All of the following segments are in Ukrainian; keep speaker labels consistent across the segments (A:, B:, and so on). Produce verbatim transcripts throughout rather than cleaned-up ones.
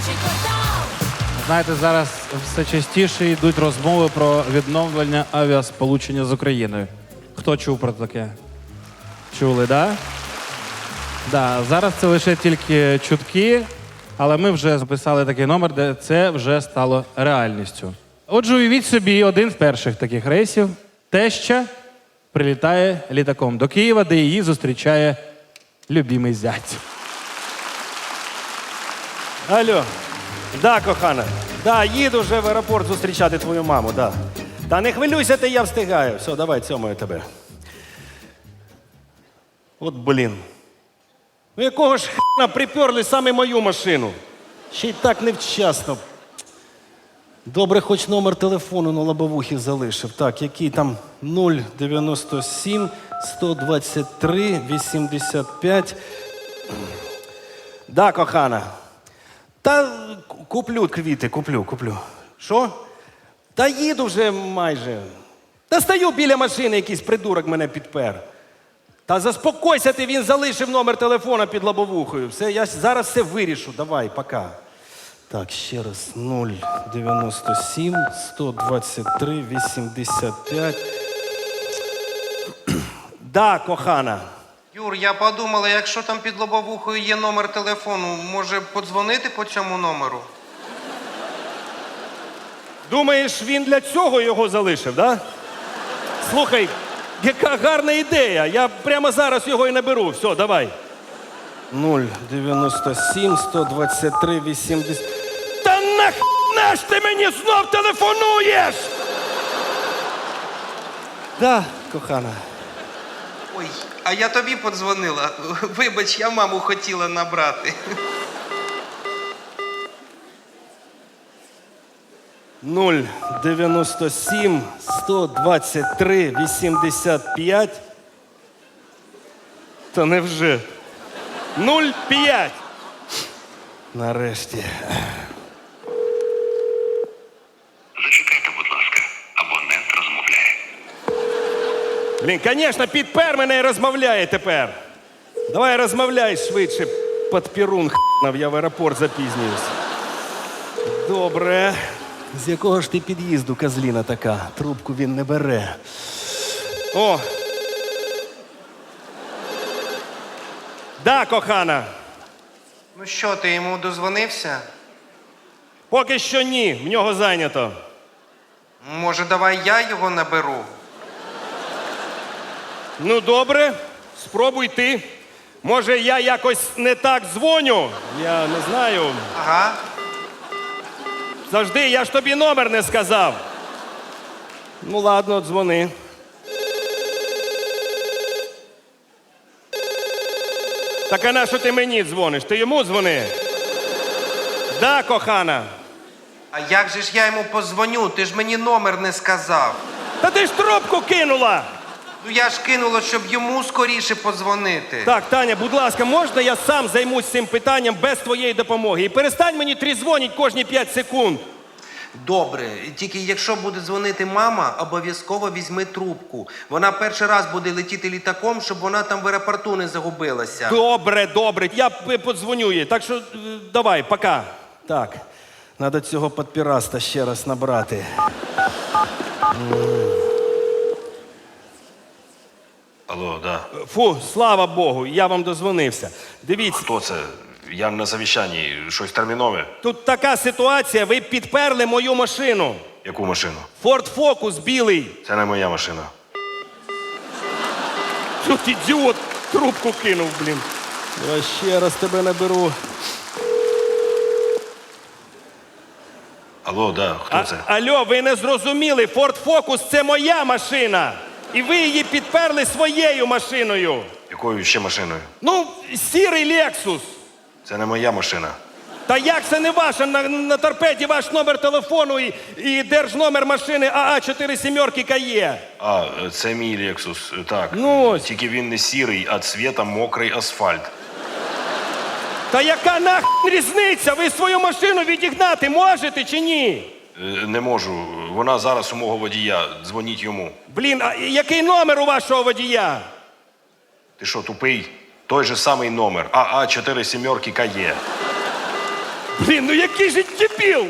A: Знаєте, зараз все частіше йдуть розмови про відновлення авіасполучення з Україною. Хто чув про таке? Чули, так? Да? Да, зараз це лише тільки чутки, але ми вже записали такий номер, де це вже стало реальністю. Отже, уявіть собі, один з перших таких рейсів. Теща прилітає літаком до Києва, де її зустрічає любимий зять.
B: Алло. Да, кохана. Да, їду вже в аеропорт зустрічати твою маму, да. Та не хвилюйся ти, я встигаю. Все, давай, цьомаю тебе. От блін. Ну якого ж хрена приперли саме мою машину? Ще й так невчасно. Добре, хоч номер телефону на лобовухі залишив. Так, який там нуль дев'яносто сім сто двадцять три вісімдесят п'ять. Да, кохана. Та куплю квіти, куплю, куплю. Що? Та їду вже майже. Та стою біля машини, якийсь придурок мене підпер. Та заспокойся ти, він залишив номер телефона під лобовухою. Все, я зараз все вирішу. Давай, пока. Так, ще раз. нуль дев'яносто сім сто двадцять три вісімдесят п'ять. Да, кохана.
C: Юр, я подумала, якщо там під лобовухою є номер телефону, може подзвонити по цьому номеру?
B: Думаєш, він для цього його залишив, да? Слухай, яка гарна ідея. Я прямо зараз його і наберу. Все, давай. нуль дев'яносто сім сто двадцять три вісімдесят. Та нахрена ж ти мені знов телефонуєш? Да, кохана.
C: Ой, а я тобі подзвонила. Вибач, я маму хотіла набрати.
B: нуль дев'яносто сім сто двадцять три вісімдесят п'ять. Та невже? нуль п'ять. Нарешті.
D: Зачекайте, будь ласка, абонент розмовляє.
B: Блін, звісно, підпер мене і розмовляє тепер. Давай розмовляй швидше, подпірун хнав, я в аеропорт запізнююсь. Добре. З якого ж ти під'їзду, козліна така? Трубку він не бере. О! Да, кохана.
C: Ну що, ти йому дозвонився?
B: Поки що ні, в нього зайнято.
C: Може, давай я його наберу?
B: Ну, добре, спробуй ти. Може, я якось не так дзвоню? Я не знаю.
C: Ага.
B: Завжди, я ж тобі номер не сказав. Ну, ладно, дзвони. Так а на що ти мені дзвониш? Ти йому дзвони? Да, кохана.
C: А як же ж я йому позвоню? Ти ж мені номер не сказав.
B: Та ти ж трубку кинула!
C: Ну я ж кинула, щоб йому скоріше подзвонити.
B: Так, Таня, будь ласка, можна я сам займусь цим питанням без твоєї допомоги? І перестань мені трізвонити кожні п'ять секунд.
C: Добре, тільки якщо буде дзвонити мама, обов'язково візьми трубку. Вона перший раз буде летіти літаком, щоб вона там в аеропорту не загубилася.
B: Добре, добре, я п- подзвоню їй. Так що е, давай, пока. Так, треба цього підпіраста ще раз набрати.
D: Алло, да.
B: Фу, слава Богу, я вам дозвонився. Дивіться,
D: Хто це? Я на совіщанні. Щось термінове?
B: тут така ситуація, ви підперли мою машину.
D: Яку машину?
B: Ford Focus білий.
D: Це не моя машина.
B: Тут ідіот трубку кинув, блін. Я ще раз тебе наберу.
D: Алло, да. Хто
B: А,
D: це?
B: алло, ви не зрозуміли, Ford Focus – це моя машина. І ви її підперли своєю машиною.
D: Якою ще машиною?
B: Ну, сірий Lexus.
D: Це не моя машина.
B: Та як це не ваша? На, на торпеді ваш номер телефону і, і держномер машини АА чотири сімерки КАЄ.
D: А, це мій Lexus. Так.
B: Ну ось.
D: Тільки він не сірий, а цвіта мокрий асфальт.
B: Та яка нахрен різниця? Ви свою машину відігнати можете чи ні?
D: Е, Не можу. Вона зараз у мого водія. Дзвоніть йому.
B: Блін, а який номер у вашого водія?
D: Ти що, тупий? Той же самий номер. АА чотири сімерки КАЄ.
B: Блін, ну який же дебіл!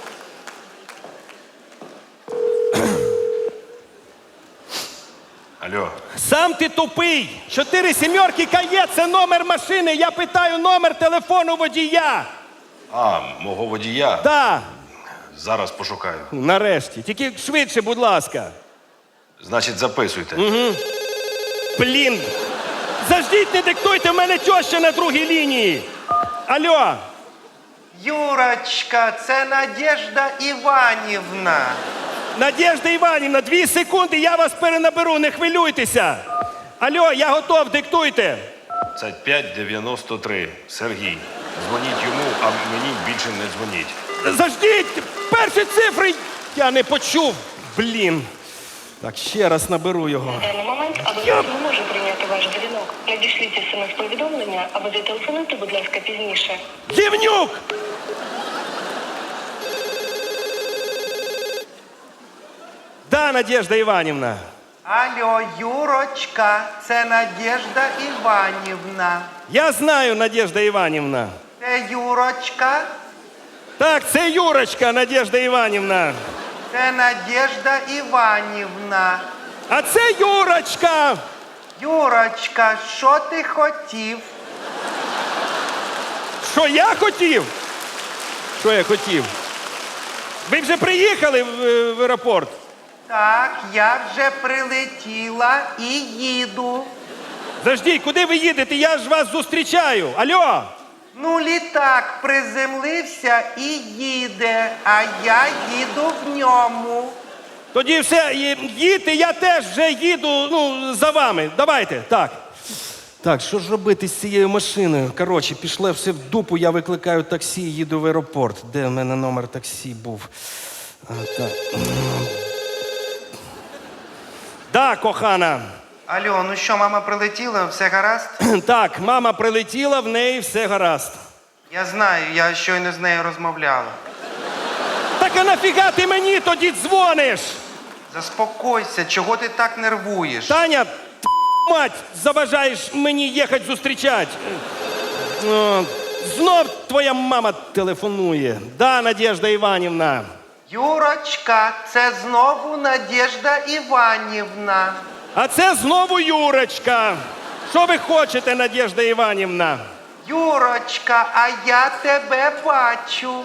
D: Алло,
B: Сам ти тупий! Чотири сімерки кає, це номер машини. Я питаю номер телефону водія.
D: а, мого водія?
B: Да,
D: Зараз пошукаю.
B: нарешті. Тільки швидше, будь ласка.
D: Значить, записуйте.
B: Блін! Заждіть, не диктуйте, в мене теща на другій лінії. Алло,
C: Юрочка, це Надежда Іванівна.
B: Надежда Іванівна, дві секунди, я вас перенаберу, не хвилюйтеся. Алло, я готов, диктуйте.
D: Це п'ять дев'яносто три. Сергій. Дзвоніть йому, а мені більше не дзвоніть.
B: Заждіть! Перші цифри я не почув. Блін. Так, ще раз наберу його.
E: На даний момент абонент не може прийняти ваш дзвінок. Надішліть смс-повідомлення або зателефонуйте, будь ласка, пізніше.
B: Гівнюк! Да, Надежда Іванівна.
C: Алло, Юрочка, це Надежда Іванівна.
B: Я знаю, Надежда Іванівна.
C: Це Юрочка,
B: Так, це Юрочка, Надежда Іванівна.
C: це Надежда Іванівна.
B: А це Юрочка.
C: Юрочка, що ти хотів?
B: Що я хотів? Що я хотів? Ви вже приїхали в, е, в аеропорт?
C: Так, я вже прилетіла і їду.
B: Заждіть, куди ви їдете? Я ж вас зустрічаю. Алло!
C: Ну, літак приземлився і їде, а я їду в ньому.
B: Тоді все, ї- їдьте, я теж вже їду ну, за вами. Давайте, так. Так, що ж робити з цією машиною? Коротше, пішло все в дупу, я викликаю таксі і їду в аеропорт. Де в мене номер таксі був? А, так. Да, кохана.
C: Алло, ну що, мама прилетіла, все гаразд?
B: Так, мама прилетіла, в неї все гаразд.
C: Я знаю, я щойно з нею розмовляла.
B: Так а нафіга ти мені тоді дзвониш?
C: Заспокойся, чого ти так нервуєш?
B: Таня, т- мать, заважаєш мені їхати зустрічати. О, знов твоя мама телефонує. Да, Надежда Іванівна.
C: Юрочка, це знову Надежда Іванівна.
B: А це знову Юрочка. Що ви хочете, Надежда Іванівна?
C: Юрочка, а я тебе бачу.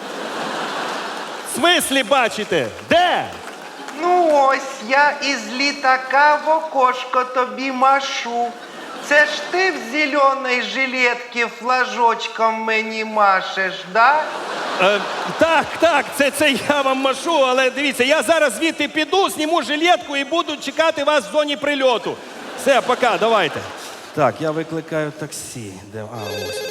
B: В смислі бачите? Де?
C: Ну ось я із літака в окошко тобі машу. Це ж ти в зеленій жилетці флажочком мені машеш, да?
B: Е, так, так, це, це я вам машу, але дивіться, я зараз звідти піду, зніму жилетку і буду чекати вас в зоні прильоту. Все, пока, давайте. Так, я викликаю таксі. Де? А, ось.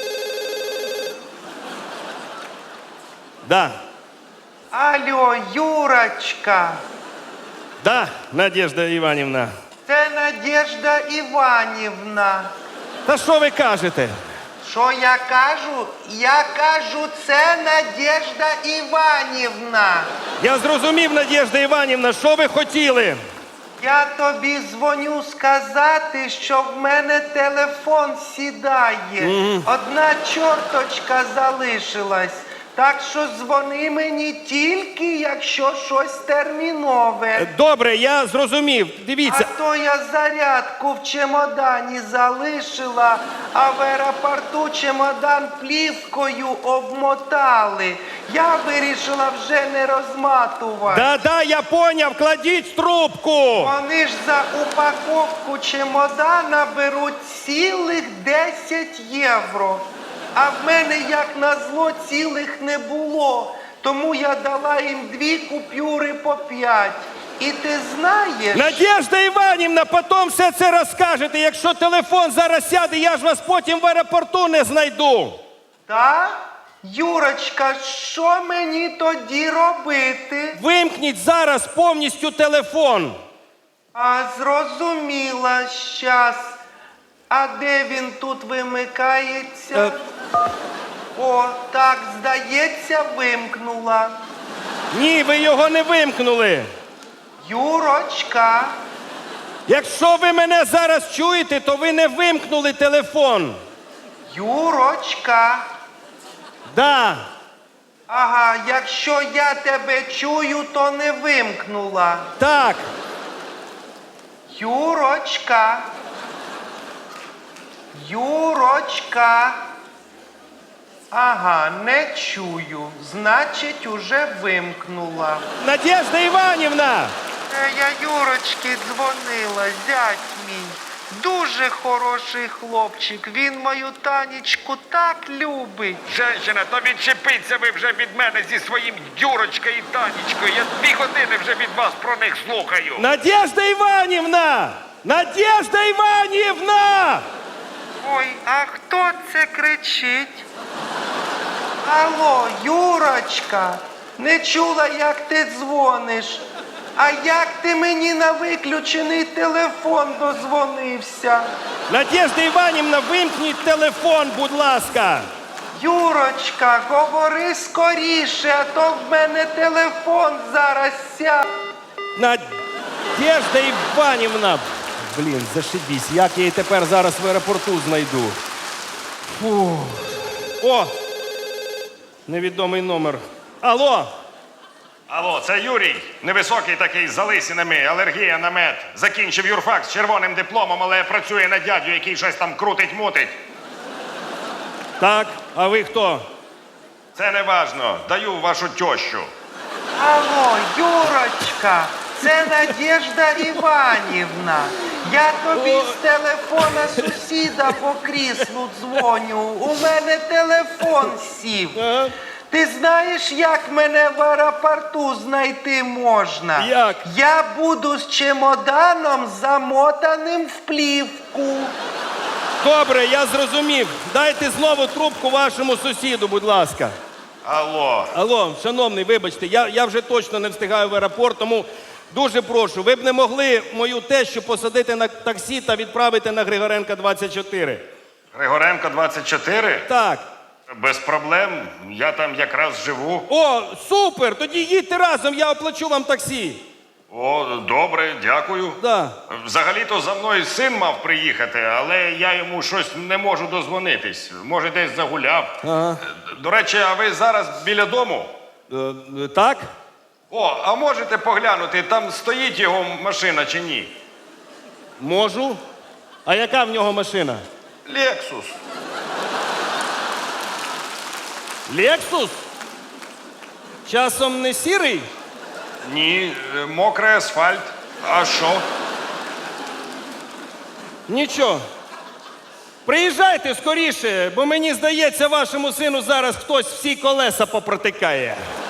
B: Да,
C: Алло, Юрочка,
B: да, Надежда Іванівна.
C: це Надежда Іванівна.
B: Та що ви кажете?
C: Що я кажу? Я кажу, це Надежда Іванівна.
B: Я зрозумів, Надежда Іванівна, що ви хотіли?
C: Я тобі дзвоню сказати, що в мене телефон сідає. Одна чорточка залишилась. Так що дзвони мені тільки, якщо щось термінове.
B: Добре, я зрозумів. Дивіться.
C: А то я зарядку в чемодані залишила, а в аеропорту чемодан плівкою обмотали. Я вирішила вже не розматувати.
B: Да-да, я поняв, кладіть трубку.
C: Вони ж за упаковку чемодана беруть цілих десять євро. А в мене, як назло, цілих не було. Тому я дала їм дві купюри по п'ять. І ти знаєш...
B: Надежда Іванівна, потім все це розкажете. Якщо телефон зараз сяде, я ж вас потім в аеропорту не знайду.
C: Так? Юрочка, що мені тоді робити?
B: Вимкніть зараз повністю телефон.
C: А, зрозуміла, щас. А де він тут вимикається?
B: Е.
C: О, так, здається, вимкнула.
B: Ні, ви його не вимкнули.
C: Юрочка,
B: Якщо ви мене зараз чуєте, то ви не вимкнули телефон.
C: Юрочка,
B: Да.
C: Ага, якщо я тебе чую, то не вимкнула.
B: Так.
C: Юрочка. Юрочка. Ага, не чую. Значить, уже вимкнула.
B: Надежда Іванівна!
C: Е, Я Юрочки дзвонила, зять мій. Дуже хороший хлопчик. Він мою Танечку так любить.
D: Женщина, то відчепіться ви вже від мене зі своїм Юрочкою і Танечкою. Я дві години вже від вас про них слухаю.
B: Надежда Іванівна! Надежда Іванівна!
C: Ой, а хто це кричить? Алло, Юрочка, не чула, як ти дзвониш. А як ти мені на виключений телефон дозвонився?
B: Надежда Іванівна, вимкніть телефон, будь ласка.
C: Юрочка, говори скоріше, а то в мене телефон зараз сяде.
B: Надежда Іванівна. Блін, зашибісь, як я її тепер зараз в аеропорту знайду. Фу. О! Невідомий номер. Алло!
D: Алло, це Юрій. Невисокий такий, з залисинами, алергія на мед. Закінчив юрфак з червоним дипломом, але працює на дядю, який щось там крутить-мутить.
B: Так, а ви хто?
D: Це не важно. Даю вашу тещу.
C: Алло, Юрочка, це Надежда Іванівна. Я тобі з телефона сусіда по кріслу дзвоню. У мене телефон сів.
B: Ага.
C: Ти знаєш, як мене в аеропорту знайти можна?
B: Як?
C: Я буду з чемоданом замотаним в плівку.
B: Добре, я зрозумів. Дайте знову трубку вашому сусіду, будь ласка.
D: Алло.
B: Алло, шановний, вибачте, я, я вже точно не встигаю в аеропорт, тому дуже прошу, ви б не могли мою тещу посадити на таксі та відправити на Григоренка двадцять чотири?
D: Григоренко двадцять чотири?
B: Так.
D: Без проблем. Я там якраз живу.
B: О, супер! Тоді їдьте разом, я оплачу вам таксі.
D: О, добре, дякую.
B: Да.
D: Взагалі-то за мною син мав приїхати, але я йому щось не можу дозвонитись. Може, десь загуляв.
B: Ага.
D: До речі, а ви зараз біля дому?
B: Е, е, так?
D: О, а можете поглянути, там стоїть його машина чи ні?
B: Можу. А яка в нього машина?
D: Лексус.
B: Лексус? Часом не сірий?
D: Ні, е, мокрий асфальт. А що?
B: Нічого. Приїжджайте скоріше, бо мені здається, вашому сину зараз хтось всі колеса попротикає.